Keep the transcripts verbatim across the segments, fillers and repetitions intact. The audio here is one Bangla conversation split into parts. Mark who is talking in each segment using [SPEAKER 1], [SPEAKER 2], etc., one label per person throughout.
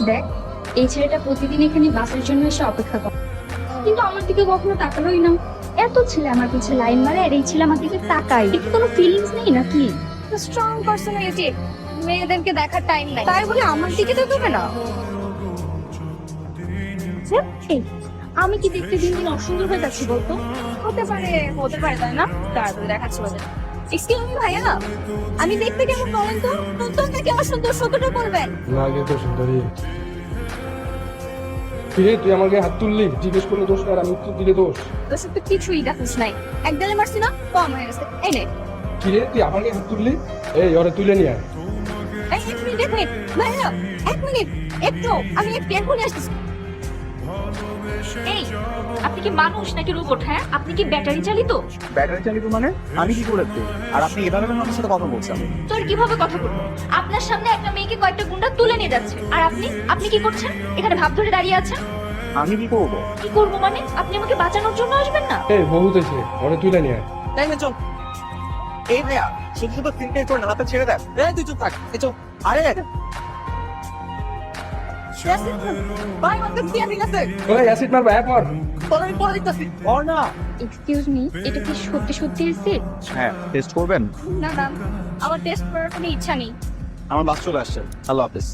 [SPEAKER 1] দেখ, এই ছেলেটা প্রতিদিন এখানে বাসের জন্য এসে অপেক্ষা করে, কিন্তু আমার দিকে কখনো তাকালোই না। এত ছেলে আমার পিছে লাইন মারে আর এই ছেলে আমার দিকে তাকাই, একটু কোনো ফিলিংস নেই নাকি? স্ট্রং পার্সোনালিটি, মেয়েদেরকে দেখার টাইম নাই, তাই বলে আমার দিকে তাকাবে না? এই, আমি কি দেখতে দিন দিন অসুন্দর হয়ে যাচ্ছি বলতো? হতে পারে, হতে পারে, তাই না? তাড়াতাড়ি দেখাচ্ছি ওদের। এক্সকিউজ মি ভাইয়া, আমি দেখতে কেমন বলেন তো? নতুন নাকি আমার সুন্দর সত্যটা বলবেন?
[SPEAKER 2] লাগে তো সুন্দরী। কিরে তুই আমাকে হাত তুললি, জিজ্ঞেস করলে দোষ আর আমি তো দিলে দোষ।
[SPEAKER 1] তোর সাথে কিছুই দেখিস নাই, এক গালে মারছি না, কম হয়ে গেছে। এই নে।
[SPEAKER 2] কিরে তুই আমাকে হাত তুললি? এই ওরে তুলে নিয়ে আয়।
[SPEAKER 1] এই এক মিনিট, এক মিনিট ভাইয়া, এক মিনিট, একটু আমি একটু এখনই আসতেছি। এই, আপনি কি মানুষ নাকি রোবট? হ্যাঁ, আপনি কি ব্যাটারি চালিত?
[SPEAKER 3] ব্যাটারি চালিত মানে আমি কি করেছি? আর আপনি এভাবে আমার সাথে কথা বলছেন?
[SPEAKER 1] তোর কিভাবে কথা বলবো? আপনার সামনে একটা মেয়েকে কয়েকটা গুন্ডা তুলে নিয়ে যাচ্ছে, আর আপনি আপনি কি করছেন? এখানে ভাব ধরে দাঁড়িয়ে আছেন।
[SPEAKER 3] আমি কি করবো?
[SPEAKER 1] কি করবো মানে? আপনি আমাকে বাঁচানোর জন্য আসবেন না?
[SPEAKER 2] এই বহুত এসে ওরে তুলে নিয়ে আয়।
[SPEAKER 3] তাই না, চল। এই ভাইয়া শুধু শুধু তিনটে করে হাতে ছেড়ে দেন। এই তুই চুপ থাক, এই চল। আরে ভাই আমাকে দিয়ে ঠিক আছে,
[SPEAKER 2] ওই অ্যাসিড মারবা এক মার।
[SPEAKER 3] তোর আমি পরে দিতেছি। ওর না।
[SPEAKER 1] এক্সকিউজ মি, এটা কি সত্যি সত্যি অ্যাসিড?
[SPEAKER 3] হ্যাঁ, টেস্ট করবেন?
[SPEAKER 1] না না, আমার টেস্ট করার কোনো ইচ্ছা নেই।
[SPEAKER 3] আমার বাস চলে আসছে। আল্লাহ হাফেজ।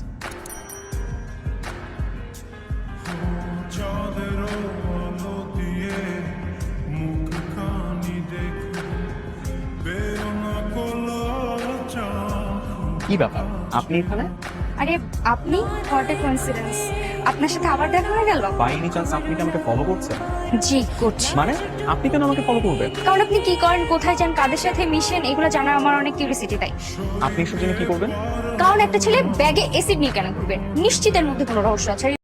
[SPEAKER 3] কি ব্যাপার আপনি এখানে?
[SPEAKER 1] আরে আপনি, হোয়াট এ কোইন্সিডেন্স, আপনার সাথে আবার দেখা হয়ে গেল।
[SPEAKER 3] বাই এনি চান্স আপনি কি আমাকে ফলো করছেন?
[SPEAKER 1] জি করছি।
[SPEAKER 3] মানে আপনি কেন আমাকে ফলো করবেন?
[SPEAKER 1] কারণ আপনি কি করেন, কোথায় যান, কাদের সাথে মিশেন, এগুলো জানার আমার অনেক কিউরিওসিটি, তাই।
[SPEAKER 3] আপনি এসব জেনে কি করবেন?
[SPEAKER 1] কারণ একটা ছেলে ব্যাগে অ্যাসিড নিয়ে কেন ঘুরবে? নিশ্চিতের মধ্যে কোনো রহস্য আছে।